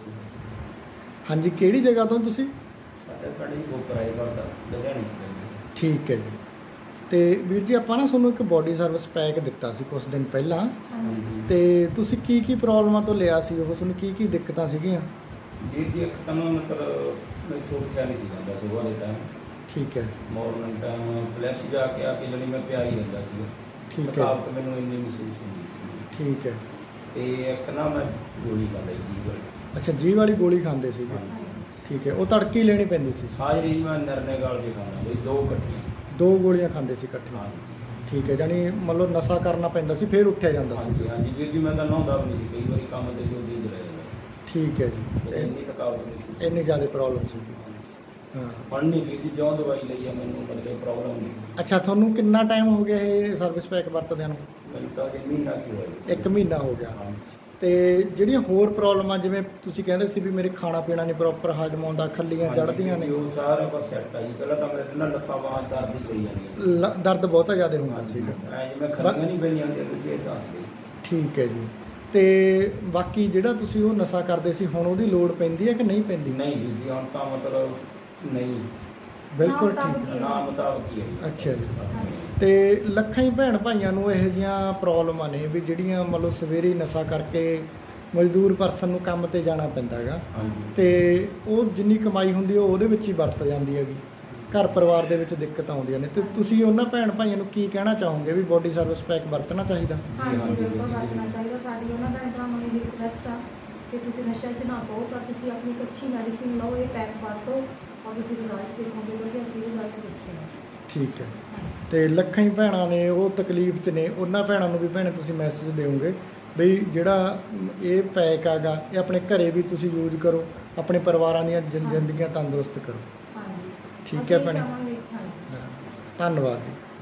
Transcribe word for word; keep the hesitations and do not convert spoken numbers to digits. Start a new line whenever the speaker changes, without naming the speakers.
हाँ जी, किहड़ी जगह तो तुसीं?
ਸਾਡੇ ਪਿੰਡ ਜੀ ਗੋਪਰਾਏ ਕਰਦਾ ਲੁਧਿਆਣੇ ਚ ਪੈਂਦਾ।
ठीक है जी। ਤੇ ਵੀਰ ਜੀ ਆਪਾਂ ਨਾ ਤੁਹਾਨੂੰ ਇੱਕ ਬੋਡੀ ਸਰਵਿਸ ਪੈਕ ਦਿੱਤਾ ਸੀ ਕੁਝ ਦਿਨ ਪਹਿਲਾਂ,
ਹਾਂਜੀ
ਤੇ ਤੁਸੀਂ ਕੀ ਕੀ ਪ੍ਰੋਬਲਮਾਂ ਤੋਂ ਲਿਆ ਸੀ ਉਹ, ਤੁਹਾਨੂੰ ਕੀ ਕੀ ਦਿੱਕਤਾਂ ਸੀਗੀਆਂ?
ਵੀਰ ਜੀ ਇੱਕ ਤਾਂ ਨਾ ਮਤਲਬ ਮੈਥੋਂ ਉੱਠਿਆ ਨਹੀਂ ਸੀ ਜਾਂਦਾ ਸੁਬਾਹ ਦੇ ਟਾਈਮ,
ਠੀਕ ਹੈ
ਮਾਰਨਿੰਗ ਟਾਈਮ ਫਲੈਸ਼ ਜਾ ਕੇ ਆ ਕੇ ਜਿਹੜੀ ਮੈਂ ਪਿਆ ਹੀ ਰਹਿੰਦਾ ਸੀ।
ਠੀਕ ਹੈ
ਥਕਾਵਟ ਮੈਨੂੰ ਇੰਨੀ ਮਹਿਸੂਸ ਹੁੰਦੀ ਸੀ।
ਠੀਕ ਹੈ।
ਤੇ ਇੱਕ ਨਾ ਮੈਂ ਗੋਲੀ ਖਾ ਲਈ ਜੀ ਵਾਲੀ।
ਅੱਛਾ, ਜੀ ਵਾਲੀ ਗੋਲੀ ਖਾਂਦੇ ਸੀਗੇ? ਠੀਕ ਹੈ, ਉਹ ਤੜਕੀ ਹੀ ਲੈਣੀ ਪੈਂਦੀ ਸੀ?
ਸਾਜਰੀ ਮੈਂ ਨਰਨੇ ਗਾਲ ਕੇ ਖਾਣਾ ਬਈ ਦੋ ਇਕੱਠੀਆਂ,
ਦੋ ਗੋਲੀਆਂ ਖਾਂਦੇ ਸੀ ਇਕੱਠੀਆਂ?
ਹਾਂਜੀ
ਠੀਕ ਹੈ, ਜਾਨੀ ਮਤਲਬ ਨਸ਼ਾ ਕਰਨਾ ਪੈਂਦਾ ਸੀ ਫਿਰ ਉੱਠਿਆ ਜਾਂਦਾ ਸੀ?
ਹਾਂਜੀ ਹਾਂਜੀ ਵੀਰ ਜੀ, ਮੈਂ ਤਾਂ ਨਹਾਉਂਦਾ ਵੀ ਨਹੀਂ ਸੀ ਕਈ ਵਾਰੀ ਕੰਮ ਤੇ ਜਲਦੀ ਜ ਰਹਿ ਜਾਂਦਾ।
ਠੀਕ ਹੈ ਜੀ।
ਤੇ ਇੰਨੀ ਥਕਾਵਟ ਮਹਿਸੂਸ ਸੀ।
ਇੰਨੀ ਜ਼ਿਆਦਾ ਪ੍ਰੋਬਲਮ ਸੀ? ਹਾਂ।
ਹੁਣ ਨਹੀਂ ਵੀਰ ਜੀ, ਜਿਉਂ ਦਵਾਈ ਲਈ ਆ ਮੈਨੂੰ ਮਤਲਬ ਪ੍ਰੋਬਲਮ ਨਹੀਂ।
ਅੱਛਾ, ਤੁਹਾਨੂੰ ਕਿੰਨਾ ਟਾਈਮ ਹੋ ਗਿਆ ਇਹ ਸਰਵਿਸ ਪੈਕ ਵਰਤਦਿਆਂ ਨੂੰ?
ਮੈਨੂੰ ਤਾਂ ਇਹ ਮਹੀਨਾ ਕੀ ਹੋਇਆ।
ਇੱਕ ਮਹੀਨਾ ਹੋ ਗਿਆ।
ਹਾਂਜੀ।
ਤੇ ਜਿਹੜੀਆਂ ਹੋਰ ਪ੍ਰੋਬਲਮਾਂ, ਜਿਵੇਂ ਤੁਸੀਂ ਕਹਿੰਦੇ ਸੀ ਵੀ ਮੇਰੇ ਖਾਣਾ ਪੀਣਾ ਨਹੀਂ ਪ੍ਰੋਪਰ ਹਜਮ ਆਉਂਦਾ, ਖੱਲੀਆਂ ਚੜ੍ਹਦੀਆਂ ਨੇ,
ਉਹ ਸਾਰਾ ਕੁਝ ਸੈੱਟ ਆ ਜੀ। ਪਹਿਲਾਂ ਤਾਂ ਮੇਰੇ ਨਾਲ ਲੱਤਾਂ ਬਾਹਾਂ ਦਰਦ ਹੀ ਕਰੀ ਜਾਂਦੀਆਂ,
ਲ- ਦਰਦ ਬਹੁਤਾ ਜ਼ਿਆਦਾ ਹੁੰਦਾ ਸੀਗਾ?
ਐ ਜਿਵੇਂ ਖੱਲੀਆਂ ਨਹੀਂ ਪੈਣੀਆਂ ਹੁੰਦੀਆਂ ਦੂਜੇ ਤਾਂ।
ਠੀਕ ਹੈ ਜੀ। ਤੇ ਬਾਕੀ ਜਿਹੜਾ ਤੁਸੀਂ ਉਹ ਨਸ਼ਾ ਕਰਦੇ ਸੀ, ਹੁਣ ਉਹਦੀ ਲੋੜ ਪੈਂਦੀ ਹੈ ਕਿ ਨਹੀਂ ਪੈਂਦੀ?
ਨਹੀਂ ਵੀਰ ਜੀ, ਹੁਣ ਤਾਂ ਮਤਲਬ ਨਹੀਂ,
ਬਿਲਕੁਲ ਠੀਕ ਹੈ।
ਨਾ ਮੁਤਾਬਕ ਹੀ ਹੈ ਜੀ।
ਅੱਛਾ ਜੀ। ਤੇ ਲੱਖਾਂ ਹੀ ਭੈਣ ਭਾਈਆਂ ਨੂੰ ਇਹੋ ਜਿਹੀਆਂ ਪ੍ਰੋਬਲਮਾਂ ਨੇ ਵੀ ਜਿਹੜੀਆਂ ਮਤਲਬ ਸਵੇਰੇ ਹੀ ਨਸ਼ਾ ਕਰਕੇ ਮਜ਼ਦੂਰ ਪਰਸਨ ਨੂੰ ਕੰਮ ਤੇ ਜਾਣਾ ਪੈਂਦਾ ਹੈਗਾ,
ਹਾਂਜੀ।
ਤੇ ਉਹ ਜਿੰਨੀ ਕਮਾਈ ਹੁੰਦੀ ਉਹ ਉਹਦੇ ਵਿੱਚ ਹੀ ਵਰਤ ਜਾਂਦੀ ਹੈਗੀ, ਘਰ ਪਰਿਵਾਰ ਦੇ ਵਿੱਚ ਦਿੱਕਤ ਆਉਂਦੀਆਂ ਨੇ। ਤੇ ਤੁਸੀਂ ਉਹਨਾਂ ਭੈਣ ਭਾਈਆਂ ਨੂੰ ਕੀ ਕਹਿਣਾ ਚਾਹੋਗੇ ਵੀ ਬੋਡੀ ਸਰਵਿਸ ਪੈਕ ਵਰਤਣਾ ਚਾਹੀਦਾ?
ਹਾਂਜੀ,
ਹਾਂਜੀ ਬਿਲਕੁਲ
ਬਿਲਕੁਲ।
ਵਰਤਣਾ ਚਾਹੀਦਾ। ਸਾਡੀ ਉਹਨਾਂ ਭੈਣ ਭਰਾਵਾਂ ਨੂੰ ਰਿਕੁਐਸਟ ਆ ਕਿ ਤੁਸੀਂ ਨਸ਼ਾ 'ਚ ਨਾ ਪਾਓ, ਪਰ ਤੁਸੀਂ ਆਪਣੀ ਇੱਕ ਅੱਛੀ ਮੈਡੀਸਿਨ ਲਓ, ਇਹ ਪੈਕ ਵਰਤੋ ਔਰ ਤੁਸੀਂ ਰਿਜ਼ਲਟ ਦੇਖੋਗੇ, ਕਿਉਂਕਿ ਅਸੀਂ ਰਿਜ਼ਲਟ ਦੇਖੇ ਆ।
ਠੀਕ ਹੈ। ਤੇ ਲੱਖਾਂ ਹੀ ਭੈਣਾਂ ਨੇ ਉਹ ਤਕਲੀਫ 'ਚ ਨੇ, ਉਹਨਾਂ ਭੈਣਾਂ ਨੂੰ ਵੀ ਭੈਣੇ ਤੁਸੀਂ ਮੈਸੇਜ ਦਿਓਗੇ ਬਈ ਜਿਹੜਾ ਇਹ ਪੈਕ ਹੈਗਾ ਇਹ ਆਪਣੇ ਘਰੇ ਵੀ ਤੁਸੀਂ ਯੂਜ਼ ਕਰੋ, ਆਪਣੇ ਪਰਿਵਾਰਾਂ ਦੀਆਂ ਜ਼ਿੰ- ਜ਼ਿੰਦਗੀਆਂ ਤੰਦਰੁਸਤ ਕਰੋ।
ਹਾਂਜੀ
ਠੀਕ
ਅਸੀਂ
ਹੈ
ਇਹ
ਭੈਣੇ।
ਚਾਹਾਂਗੇ। ਹਾਂਜੀ।
ਹਾਂ, ਧੰਨਵਾਦ ਜੀ।